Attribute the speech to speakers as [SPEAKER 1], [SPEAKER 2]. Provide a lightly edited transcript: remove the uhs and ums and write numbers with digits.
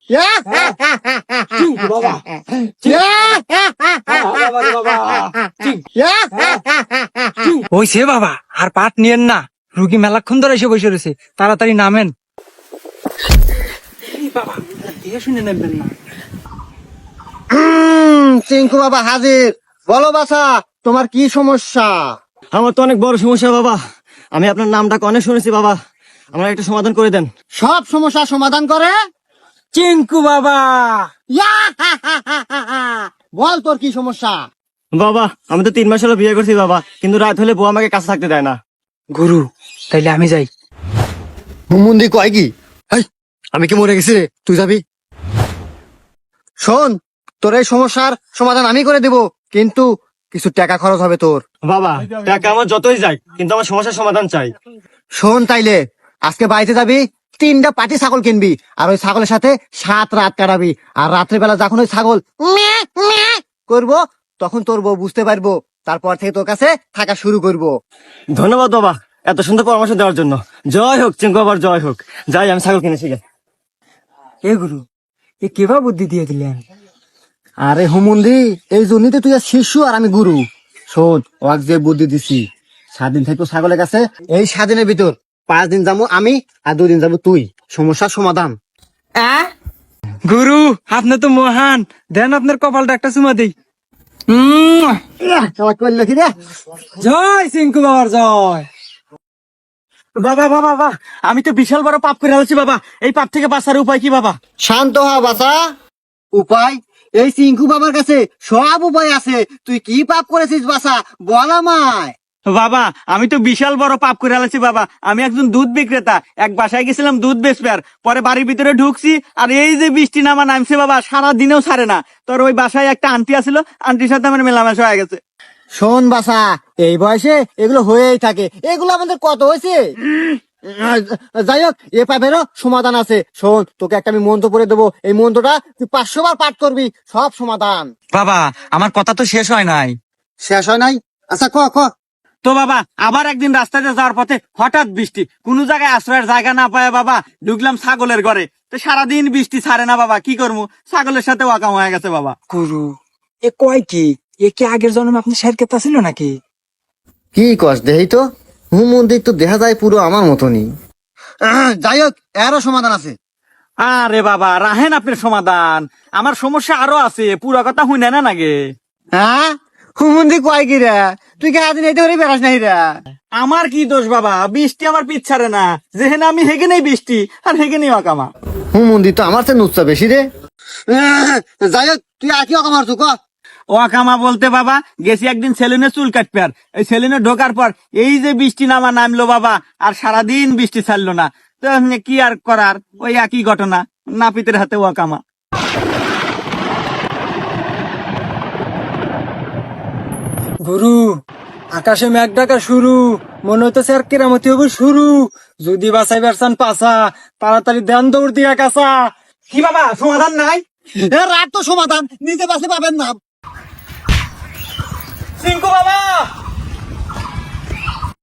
[SPEAKER 1] চিঙ্কু বাবা
[SPEAKER 2] হইছে বাবা, আর পাট নিয়েন না, রুগী মেলাক্ষণ ধরে এসে বসে রয়েছে, তাড়াতাড়ি নামেন। বাবা দেখে শুনে নেবেন না।
[SPEAKER 3] চিঙ্কু বাবা হাজির। বলো বাছা, তোমার কি সমস্যা?
[SPEAKER 1] আমার তো অনেক বড় সমস্যা বাবা, আমি আপনার নামটা অনেক শুনেছি বাবা, আমার একটা সমাধান করে দেন।
[SPEAKER 3] সব সমস্যা সমাধান করে
[SPEAKER 2] চিঙ্কু বাবা।
[SPEAKER 3] বল তোর কি সমস্যা?
[SPEAKER 1] বাবা আমি তো 3 মাস হলো বিয়ে করছি বাবা, কিন্তু রাত হলে বউ আমাকে কাছে থাকতে দেয় না।
[SPEAKER 2] গুরু, তাইলে আমি যাই।
[SPEAKER 3] হুমুন্দি কয় কি? আমি কি মরে গেছি রে? তুই যাবি? শোন, তোর এই সমস্যার সমাধান আমি করে দেব, কিন্তু কিছু টাকা খরচ হবে তোর।
[SPEAKER 1] বাবা টাকা আমার যতই যাই, কিন্তু আমার সমস্যার সমাধান চাই।
[SPEAKER 3] শোন তাইলে, আজকে বাড়িতে যাবি, 3টা পাটি ছাগল কিনবি, আর ওই ছাগলের সাথে 7 রাত কাটাবি, আর রাত্রেবেলা যখন ওই ছাগল ম্যাঁ ম্যাঁ করবো, তখন তোর বউ বুঝতে পারবো, তারপর থেকে তোর কাছে থাকা শুরু করবো।
[SPEAKER 1] ধন্যবাদ বাবা এত সুন্দর পরামর্শ দেওয়ার জন্য। জয় হোক চিঙ্কু বাবার, জয় হোক। যাই আমি ছাগল কিনেছি গে।
[SPEAKER 2] এ গুরু, এ কেবা বুদ্ধি দিয়ে দিলেন?
[SPEAKER 3] আরে হুমুন্দি, এই জন্যই তো তুই আর শিশু আর আমি গুরু। শোন, ওয়াক যে বুদ্ধি দিছি, 7 দিন থাকবো ছাগলের কাছে, এই 7 দিনের ভিতর 5 দিন যাবো আমি, আর 2 দিন যাবো তুই। সমস্যার সমাধান।
[SPEAKER 2] গুরু, আপনি তো মহান, দেন আপনার কপালটা একটা চুমা দেই।
[SPEAKER 3] করলো কি রে?
[SPEAKER 2] জয় চিঙ্কু বাবার জয়।
[SPEAKER 1] বাবা বাবা বাবা, আমি তো বিশাল বড় পাপ করে আছি বাবা, এই পাপ থেকে বাঁচার উপায় কি বাবা?
[SPEAKER 3] শান্ত হ বাছা। উপায়? এই চিঙ্কু বাবার কাছে সব উপায় আছে। তুই কি পাপ করেছিস বাছা, বল আমায়।
[SPEAKER 1] বাবা আমি তো বিশাল বড় পাপ করে আছি বাবা, আমি একজন দুধ বিক্রেতা, এক বাসায় গেছিলাম দুধ বেচবার, পরে বাড়ির ভিতরে ঢুকছি, আর এই যে বৃষ্টি নামা নামছে বাবা, সারা দিনেও ছাড়ে না। তোর ওই বাসায় একটা আন্টি আছিল, আন্টির সাথে আমার মেলামেশা হয়ে গেছে।
[SPEAKER 3] শোন বাছা, এই বয়সে এগুলো হয়েই থাকে, এগুলো আমাদের কত হয়েছে। যাই হোক, এ পাপেরও সমাধান আছে। শোন, তোকে একটা আমি মন্ত্র পড়ে দেবো, এই মন্ত্রটা তুই 500 বার পাঠ করবি, সব সমাধান।
[SPEAKER 2] বাবা, আমার কথা তো শেষ হয় নাই।
[SPEAKER 3] শেষ হয় নাই? আচ্ছা ক ক।
[SPEAKER 1] তো বাবা আবার একদিন রাস্তাতে যাওয়ার পথে হঠাৎ বৃষ্টি, কোন জায়গায় আশ্রয়ের জায়গা না পায় বাবা, ঢুকলাম ছাগলের ঘরে, তো সারাদিন বৃষ্টি ছাড়ে না বাবা, কি করবো, ছাগলের সাথে ওয়াকাম হয়ে গেছে বাবা।
[SPEAKER 2] গুরু, এ কয় কি? এ কি আগের জন্মে আপনি শের কেতা ছিল নাকি?
[SPEAKER 3] কি কস দেহি তো, হুমন্দির তো দেখা যায় পুরো আমার মতনই। যাই হোক, এরও সমাধান আছে।
[SPEAKER 1] আরে বাবা রাহেন আপনার সমাধান, আমার সমস্যা আরো আছে, পুরো কথা হুই না নাগে।
[SPEAKER 3] হ্যাঁ, হুমন্দি কয় কি রে? তুই কে আদিন এইতে করে বেড়াস নাই রে?
[SPEAKER 1] আমার কি দোষ বাবা, বৃষ্টি আমার পিছারে না, যেহেনে আমি হেগে নেই বৃষ্টি, আর হেগে নেই ওয়াকামা।
[SPEAKER 3] হুমন্দি তো আমার চেয়ে নুচ্ছা বেশি রে। যাই হোক, তুই আর কি অকামার তুই ক।
[SPEAKER 1] ওয়াকামা বলতে বাবা, গেছি একদিন সেলুনে চুল কাটবে, আর এই সেলুনে ঢোকার পর এই যে বৃষ্টি নামা নামলো বাবা, আর সারাদিন বৃষ্টি ছাড়লো না, তো এমনি কি আর করার, ওই একই ঘটনা, নাপিতের হাতে ওয়াকামা।
[SPEAKER 2] গুরু, আকাশে মেঘ ডাকা শুরু, মনে হইতেছে আর কেরামতি হবে শুরু। যদি বাঁচাই বেরসান পাছা, তাড়াতাড়ি দেন দৌড় দিয়া কাছা।
[SPEAKER 1] কি বাবা সমাধান নাই?
[SPEAKER 3] রাত তো সমাধান, নিজে বাসে পাবেন না।
[SPEAKER 1] চিঙ্কু বাবা